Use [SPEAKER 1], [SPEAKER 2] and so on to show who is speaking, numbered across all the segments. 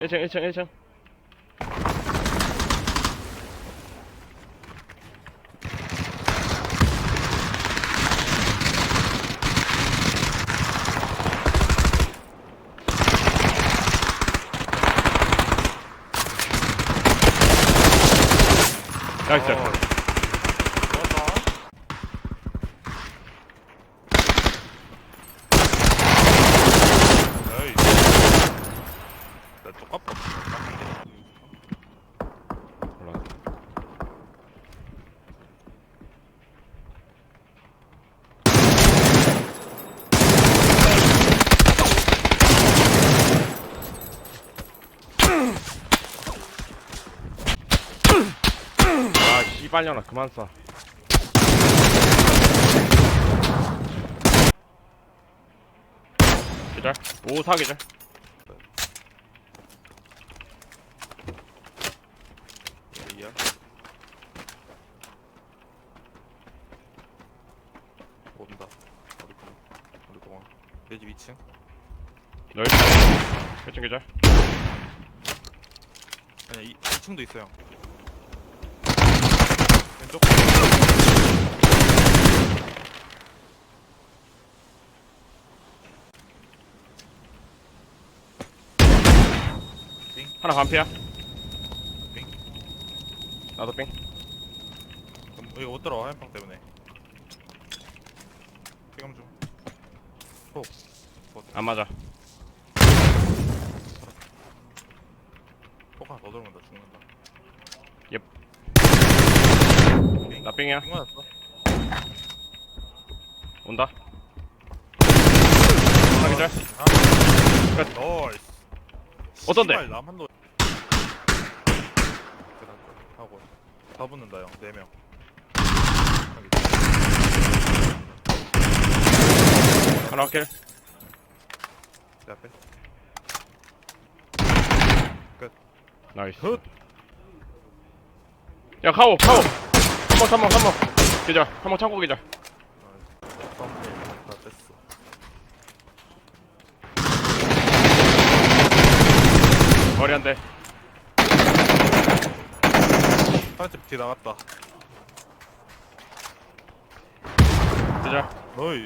[SPEAKER 1] 1층 1층 1층. 나이스.
[SPEAKER 2] 에이, 나 똑같다.
[SPEAKER 1] 올라가. 아 씨발년아 그만 쏴. 기절. 오 사기절.
[SPEAKER 2] A야. 온다. 우리 공항. 내 집 2층.
[SPEAKER 1] 넓. 1층 기절.
[SPEAKER 2] 아니야, 2층도 있어요. 왼쪽.
[SPEAKER 1] 하나 반피야.
[SPEAKER 2] 빙.
[SPEAKER 1] 나도 빙.
[SPEAKER 2] 그럼 이거 못 들어와, 한방 때문에. 피감 좀. 호.
[SPEAKER 1] 안 맞아.
[SPEAKER 2] 포가 더 들어온다, 죽는다.
[SPEAKER 1] 옙.
[SPEAKER 2] 빙.
[SPEAKER 1] 나 빙이야.
[SPEAKER 2] 빙 맞았어.
[SPEAKER 1] 온다. 하나 기절. 끝.
[SPEAKER 2] 나이스.
[SPEAKER 1] 어떤데?
[SPEAKER 2] 씨발, 남 한도. 하고 다 붙는다 형. 4명.
[SPEAKER 1] 하나 킬.
[SPEAKER 2] 내 앞에.
[SPEAKER 1] 나이스.
[SPEAKER 2] 굿.
[SPEAKER 1] 야 카오 카오. 3번 기절. 3번 창고 기절.
[SPEAKER 2] 썸네일 다 뺐어.
[SPEAKER 1] 머리 한 대.
[SPEAKER 2] 파란색 뒤 나갔다.
[SPEAKER 1] 기절.
[SPEAKER 2] 너이.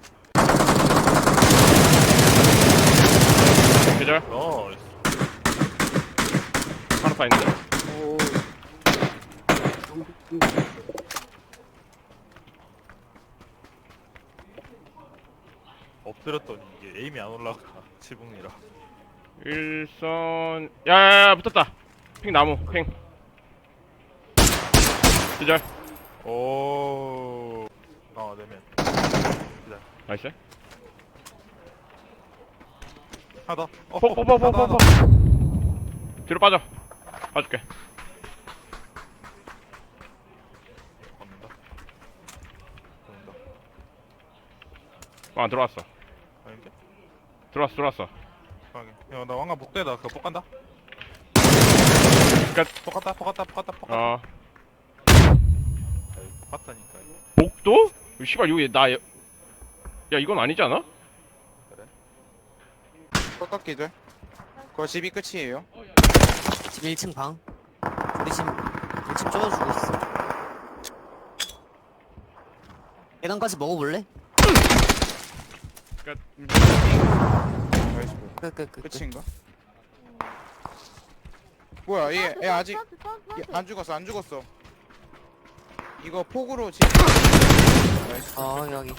[SPEAKER 1] 기절.
[SPEAKER 2] 나이스.
[SPEAKER 1] 하나 더 있는데.
[SPEAKER 2] 엎드렸더니 이게 에임이 안 올라가. 지붕이라.
[SPEAKER 1] 일선. 야야야 붙었다. 핑 나무. 핑. 기절.
[SPEAKER 2] 오. 아, 4명. 기다려.
[SPEAKER 1] 나이스.
[SPEAKER 2] 하나 더.
[SPEAKER 1] 폭폭폭폭폭. 뒤로 빠져. 봐줄게.
[SPEAKER 2] 걷는다. 걷는다.
[SPEAKER 1] 아 들어왔어.
[SPEAKER 2] 아닌데?
[SPEAKER 1] 들어왔어.
[SPEAKER 2] 확인. 야, 나 왕관 복대다. 그거 폭 간다.
[SPEAKER 1] 끝.
[SPEAKER 2] 폭 갔다.
[SPEAKER 1] 어.
[SPEAKER 2] 에이, 폭 갔다니까.
[SPEAKER 1] 복도? 씨발 여기 나. 야 이건 아니지 않아?
[SPEAKER 3] 꺾기들. 그거 집이 끝이에요.
[SPEAKER 4] 집 1층 방. 우리 집 1층 쪼여주고 있어. 계단까지 먹어볼래?
[SPEAKER 1] 끝.
[SPEAKER 3] 나이스.
[SPEAKER 4] 끝.
[SPEAKER 3] 끝인가? 뭐야 얘 아직 얘 안 죽었어. 이거 폭으로 집. 나이스.
[SPEAKER 4] 여기.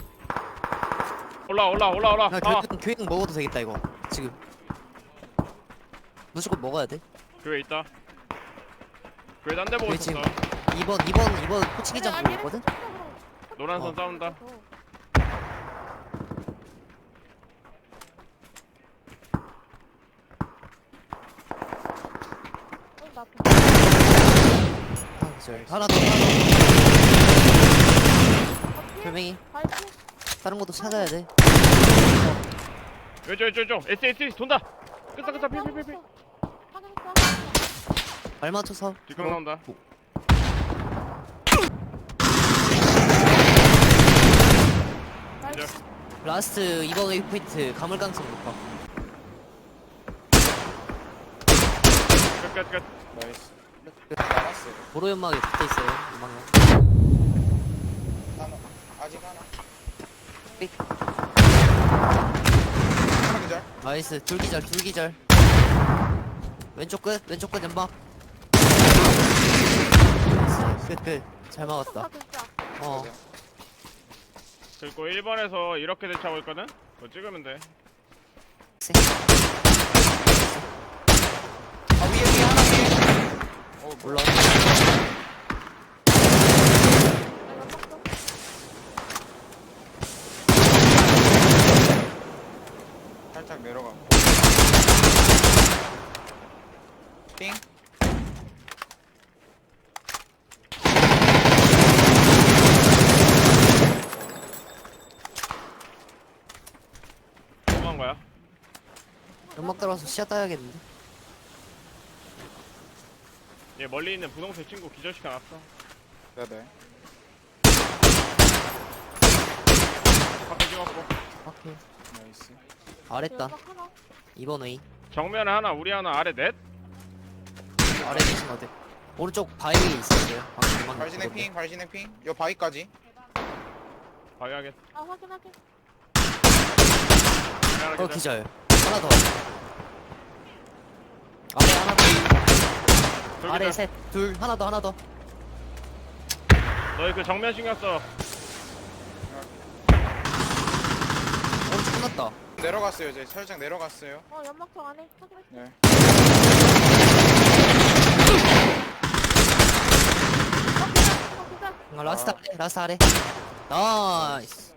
[SPEAKER 1] 올라.
[SPEAKER 4] 야,
[SPEAKER 1] 아.
[SPEAKER 4] 교육 먹어도 되겠다, 이거. 지금. 무조건 먹어야 돼.
[SPEAKER 1] 교회 있다. 교회 딴 데 보고
[SPEAKER 4] 교회
[SPEAKER 1] 있었어.
[SPEAKER 4] 2번 코치기장 보고 있거든?
[SPEAKER 1] 노란 선 싸운다.
[SPEAKER 4] 하나 더. 별명이. 다른 것도 찾아야 돼.
[SPEAKER 1] 왼쪽. S 돈다. 끝사 필.
[SPEAKER 4] 발 맞춰서.
[SPEAKER 1] 뒷강 나온다. 기절.
[SPEAKER 4] 라스트 2번 웨이포인트 가물깡성 높아.
[SPEAKER 1] 끝.
[SPEAKER 3] 나이스. 나갔어요.
[SPEAKER 4] 도로 연막에 붙어있어요 연막에.
[SPEAKER 3] 하나. 아직 하나.
[SPEAKER 4] 삑.
[SPEAKER 3] 하나 그절.
[SPEAKER 4] 나이스 둘기절. 왼쪽 끝 연막. 나이스 끝잘 막았다. 어
[SPEAKER 1] 그리고 1번에서 이렇게 대처하고 있거든? 그거 찍으면 돼.
[SPEAKER 3] 아 위에 하나 위에.
[SPEAKER 4] 올라.
[SPEAKER 3] 살짝 내려가. 띵.
[SPEAKER 1] 뭐한 거야?
[SPEAKER 4] 연막 들어와서 시야 따야겠는데.
[SPEAKER 1] 얘 멀리 있는 분홍색 친구 기절시켜놨어.
[SPEAKER 3] 네네.
[SPEAKER 1] 밖에 찍었고.
[SPEAKER 4] 오케이.
[SPEAKER 3] 나이스.
[SPEAKER 4] 아랫단 2번 웨이.
[SPEAKER 1] 정면에 하나, 우리 하나, 아래 넷?
[SPEAKER 4] 아래 계신 어디? 오른쪽 바위에 있었어요. 방금 연막
[SPEAKER 3] 발진행 핑, 발진행 핑. 요 바위까지.
[SPEAKER 1] 방해하겠.
[SPEAKER 5] 아 확인하게.
[SPEAKER 4] 어 기절. 하나 더. 아래 하나 더. 아래 셋. 둘 하나 더.
[SPEAKER 1] 너희 그 정면 신경 써.
[SPEAKER 4] 오른쪽 끝났다.
[SPEAKER 3] 내려갔어요 이제. 살짝 내려갔어요.
[SPEAKER 5] 연막통 안에 확인할게.
[SPEAKER 3] 네.
[SPEAKER 5] 기절.
[SPEAKER 4] 라스트 아래. 나이스.